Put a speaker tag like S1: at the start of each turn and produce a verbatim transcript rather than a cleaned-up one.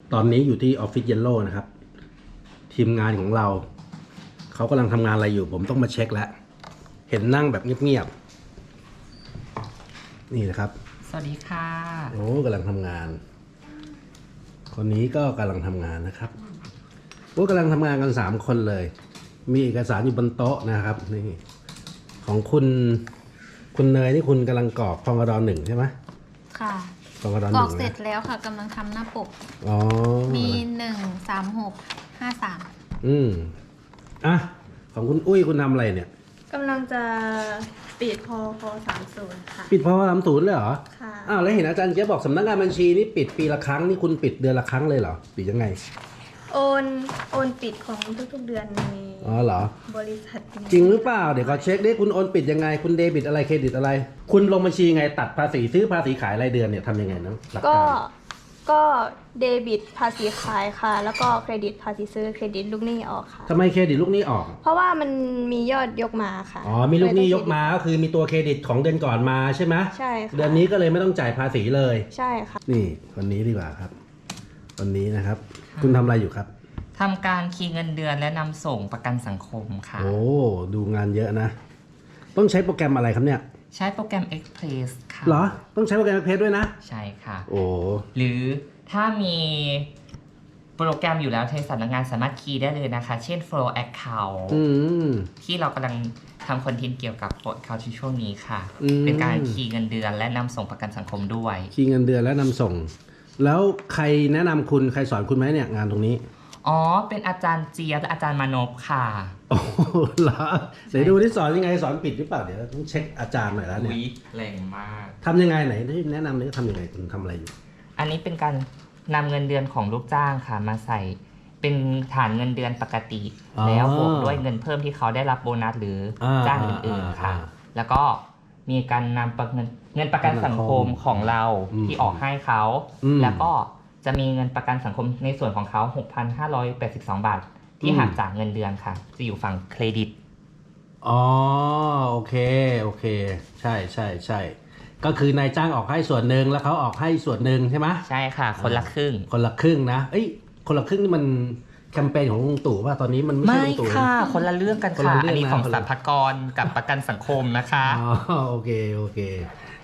S1: ตอนนี้อยู่ที่ออฟฟิศเยลโล่นะครับทีมงานของเราเขากำลังทำงานอะไรอยู่ผมต้องมาเช็คแล้วเห็นนั่งแบบเงียบๆนี่นะครับ
S2: สวัสดีค่ะ
S1: โอ้กำลังทำงานคนนี้ก็กำลังทำงานนะครับโอ้กำลังทำงานกันสามคนเลยมีเอกสารอยู่บนโต๊ะนะครับนี่ของคุณคุณเนยนี่คุณกำลังกรอกพงดหนึ่งใช่ไหม
S3: ค่ะ
S1: พงดหนึ่ง
S3: กรอกเสร็จแล้วค่ะกำลังทำหน้าปก
S1: อ๋อ
S3: มีหนึ่งสามหกห้าสาม
S1: อืมอ่ะของคุณอุ้ยคุณทำอะไรเนี่ย
S4: กำลังจะปิดพอพอสามศูนย์ค่ะ
S1: ปิดพอสามศูนย์เลยเหรอ
S4: ค่ะ
S1: อ้าวแล้วเห็นอาจารย์เจ๊บอกสำนักงานบัญชีนี่ปิดปีละครั้งนี่คุณปิดเดือนละครั้งเลยเหรอปิดยังไง
S4: โอนโอนปิดของทุกๆเดือนใน
S1: อ๋อเหรอ
S4: บริษัท
S1: จริงหรือเปล่าเดี๋ยวขอเช็คดิคุณโอนปิดยังไงคุณเดบิตอะไรเครดิตอะไรคุณลงบัญชีไงตัดภาษีซื้อภาษีขายรายเดือนเนี่ยทำยังไงนะหลัก
S4: ก็
S1: การ
S4: ก็เดบิตภาษีขายค่ะแล้วก็เครดิตภาษีซื้อเครดิตลูกหนี้ออกค่ะ
S1: ทำไมเครดิตลูกหนี้ออก
S4: เพราะว่ามันมียอดยกมาค่ะ
S1: อ๋อมีลูกหนี้ยกมาก็คือมีตัวเครดิตของเดือนก่อนมาใช่ไหม
S4: ใช่ค่ะ
S1: เดือนนี้ก็เลยไม่ต้องจ่ายภาษีเลย
S4: ใช่ค่ะ
S1: นี่วันนี้ดีกว่าครับวันนี้นะครับคุณทำอะไรอยู่ครับ
S2: ทำการคีย์เงินเดือนและนำส่งประกันสังคมค่ะ
S1: โอ้ดูงานเยอะนะต้องใช้โปรแกรมอะไรครับเนี่ย
S2: ใช้โปรแกรม Express ค่ะ
S1: เหรอต้องใช้โปรแกรม Express ด้วยนะ
S2: ใช่ค่ะ
S1: โอ้
S2: หรือถ้ามีโปรแกรมอยู่แล้วในสำนักงานสามารถคีย์ได้เลยนะคะเช่น Flow Account ที่เรากำลังทำคอนเทนต์เกี่ยวกับ Flow Account ในช่วงนี้ค่ะเป็นการคีย์เงินเดือนและนำส่งประกันสังคมด้วย
S1: คีย์เงินเดือนและนำส่งแล้วใครแนะนำคุณใครสอนคุณไหมเนี่ยงานตรงนี้
S2: อ๋อเป็นอาจารย์เจี๊ยบและอาจารย์มานพค่ะ
S1: โอ้เหรอเดี๋ยวดูที่สอนยังไงสอนผิดหรือเปล่าเดี๋ยวต้องเช็คอาจารย์หน่อยแล้วเนี่ย
S2: แรงมาก
S1: ทำยังไงไหนแนะนำนี่ทำยังไงคุณทำอะไรอยู่
S2: อันนี้เป็นการนำเงินเดือนของลูกจ้างค่ะมาใส่เป็นฐานเงินเดือนปกติแล้วบวกด้วยเงินเพิ่มที่เขาได้รับโบนัสหรือจ้างอื่นๆค่ะแล้วก็มีการนำเงินเงินประกันสังคมของเราที่ออกให้เขาแล้วก็จะมีเงินประกันสังคมในส่วนของเขา หกพันห้าร้อยแปดสิบสอง บาทที่หักจากเงินเดือนค่ะจะอยู่ฝั่งเครดิต
S1: อ๋อโอเคโอเคใช่ใช่ใช่ก็คือนายจ้างออกให้ส่วนหนึ่งแล้วเขาออกให้ส่วนหนึ่งใช่ไหม
S2: ใช่ค่ะคนละครึ่ง
S1: คนละครึ่งนะเอ้ยคนละครึ่งนี่มันแคมเปญของลุงตู่ว่าตอนนี้มันไม่ใช่ลุงตู่
S2: ไม่ค่ะคนละเรื่องกันค่ะอันนี้ของสรรพากรกับประกันสังคมนะคะ
S1: อ๋อโอเคโอเค